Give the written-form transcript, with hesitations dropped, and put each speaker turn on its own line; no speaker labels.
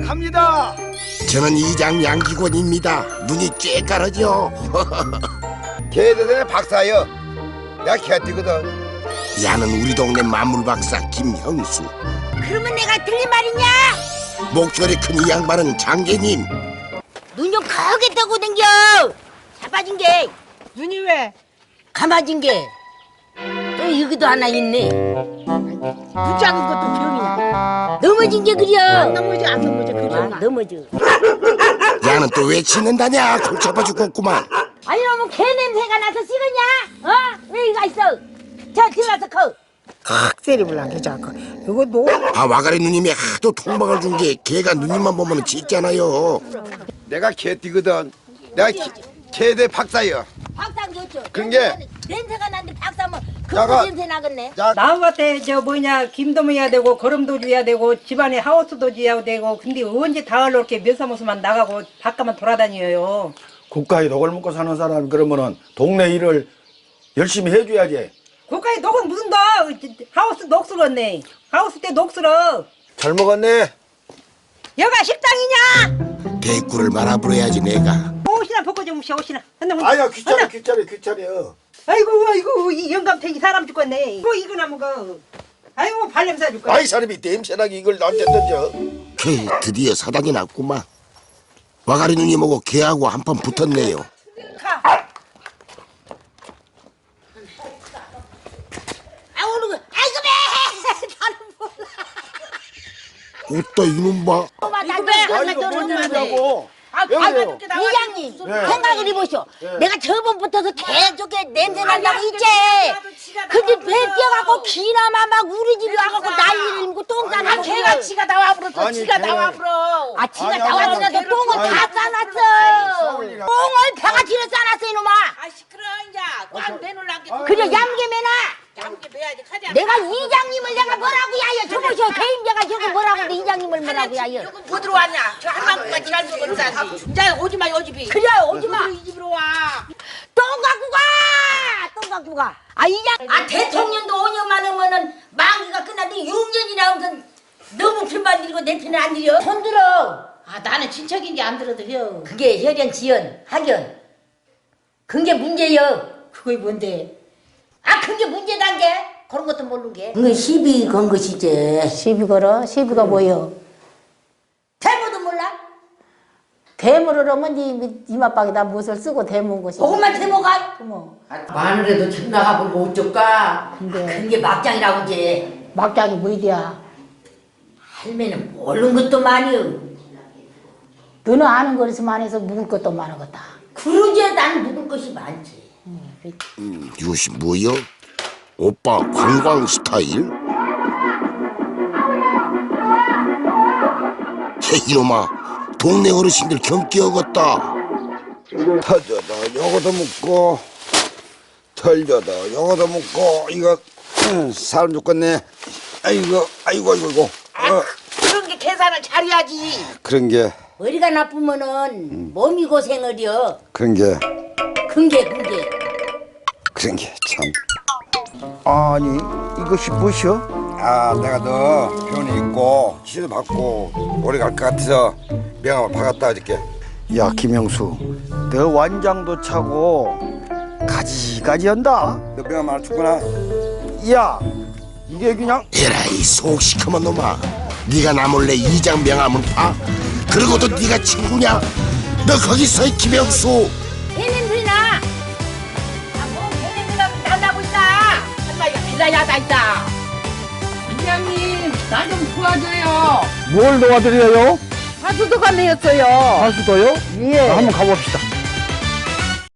갑니다.
저는 이장 양기권입니다. 눈이 쬐까르죠.
개대대 박사여. 내가 개띠거든.
야는 우리 동네 만물박사 김형수.
그러면 내가 틀린 말이냐?
목소리 큰 이 양반은 장계님.
눈 좀 크게 뜨고 댕겨. 자빠진 게
눈이 왜?
감아진 게. 또 여기도 하나 있네. 눈 작은 것도 병이야. 넘어진 게 그려.
안 넘어져 그려.
넘어져.
야는 또 왜 짖는다냐? 골치 아파 죽겠구만.
아니 너무 개 냄새가 나서 식었냐? 어? 왜 이거 있어? 자 들어가서 커.
세리불랑게 자꾸. 이거 너.
아 와가리 누님이 하도 통박을 준 게 걔가 누님만 보면 짖잖아요.
내가 개띠거든. 내가 개대 박사여.
박사 좋죠.
그런 게-
냄새가 나는데 박사면
야가-
그 냄새 나겠네.
자,
나무밭에 저 뭐냐 김도 해야 되고 거름도 줘야 되고 집안에 하우스도 지어야 되고 근데 언제 다을 이렇게 면사무소만 나가고 바깥만 돌아다녀요.
국가에 녹을 먹고 사는 사람 그러면은 동네 일을 열심히 해줘야지.
국가에 녹은 무슨 녹? 하우스 녹슬었네. 하우스 때 녹슬어.
잘 먹었네.
여가 식당이냐?
대꾸를 말아버려야지 내가.
옷이나 벗고 좀 오시오 옷이나.
아야 귀찮아.
아이고 이 영감탱이 사람 죽겠네. 이거 나무가. 아이고 발냄새 죽겠네.
아이 사람이 냄새나게 이걸 언제 던져.
드디어 사당이 났구만. 와가리 누님하고 걔하고 한판 붙었네요.
아 오늘 아이고 배. 나는 몰라.
웃다 이놈 봐.
이거 배.
이거 뭔 일이냐고.
아이고 이장님 생각을 해보시오. 내가 저번부터서 계속 냄새 난다고 있지. 근데 배 뛰어갖고 기나마 막 우리 집에 와갖고 난리를 일고 똥 싸고.
걔가 지가 나와 불었어. 지가 나와 불어.
아 지가 나왔으라도 똥을 다 싸놨어. 똥을 배가지로 싸놨어 이놈아.
아 시끄러 이제 꽉 내놓으려고.
그래 얌게매나.
함께 배야지 가자.
내가 이장님을 내가 뭐라고 야여 저보시오. 개임자가 저거 뭐라고 그래 이장님을 뭐라고 야여.
뭐 들어왔냐? 저 한방구가 지날 먹은 사람. 이제 오지마 요 집이.
그래 오지마.
이 집으로 와.
똥 갖고 가! 똥 갖고 가! 아, 이장! 아, 대통령도 5년만 하면은 만기가 끝났는데 6년이나 하면 너무 편만 들고 내 편은 안 들여? 손 들어!
아 나는 친척인지 안 들어도 혀.
그게 혈연, 지연, 학연. 그게 문제여.
그게 뭔데?
아, 그게 문제단 게? 그런 것도 모르는 게. 그게 시비 건 것이지.
시비 걸어? 시비가 뭐여?
대모도 몰라?
대물을 하면 네 이마박에다 무엇을 쓰고 대문 것이.
그것만 대모가?
뭐
마늘에도 참 나가보고 어쩔까?
근데-
그게 막장이라고 이제.
막장이 뭐이디야?
할매는 모르는 것도 많이요.
너는 아는 거리서만 해서 묵을 것도 많았겠다.
그러지 난 묵을 것이 많지.
이것이 뭐여? 오빠 관광 스타일? 이놈아 동네 어르신들 경기어겄다.
터져도 요거도 묻고 털져도 요거도 묻고 이거 사람 죽겠네. 아이고.
그런 게 계산을 잘해야지.
그런 게
머리가 나쁘면은 몸이 고생을요.
그런 게
근게
참. 아니 이것이 무엇이여? 아 내가 너 병원에 있고 치료 받고 오래 갈 것 같아서 명함을 박았다 어저께.
야 김형수, 너 완장도 차고 가지가지 한다.
너 명함 하나 줬구나.
야 이게 그냥
에라이 속 시커먼 놈아. 네가 나 몰래 이장 명함을 파? 그러고도 네가 친구냐? 너 거기 서 김형수.
개냄새 나.
아뭐 개냄새가 난다고 있다. 한마디가 빌라야다 있다. 이장님 나 좀 도와줘요.
뭘 도와드려요?
하수도가 내었어요.
하수도요?
예.
한번 가봅시다.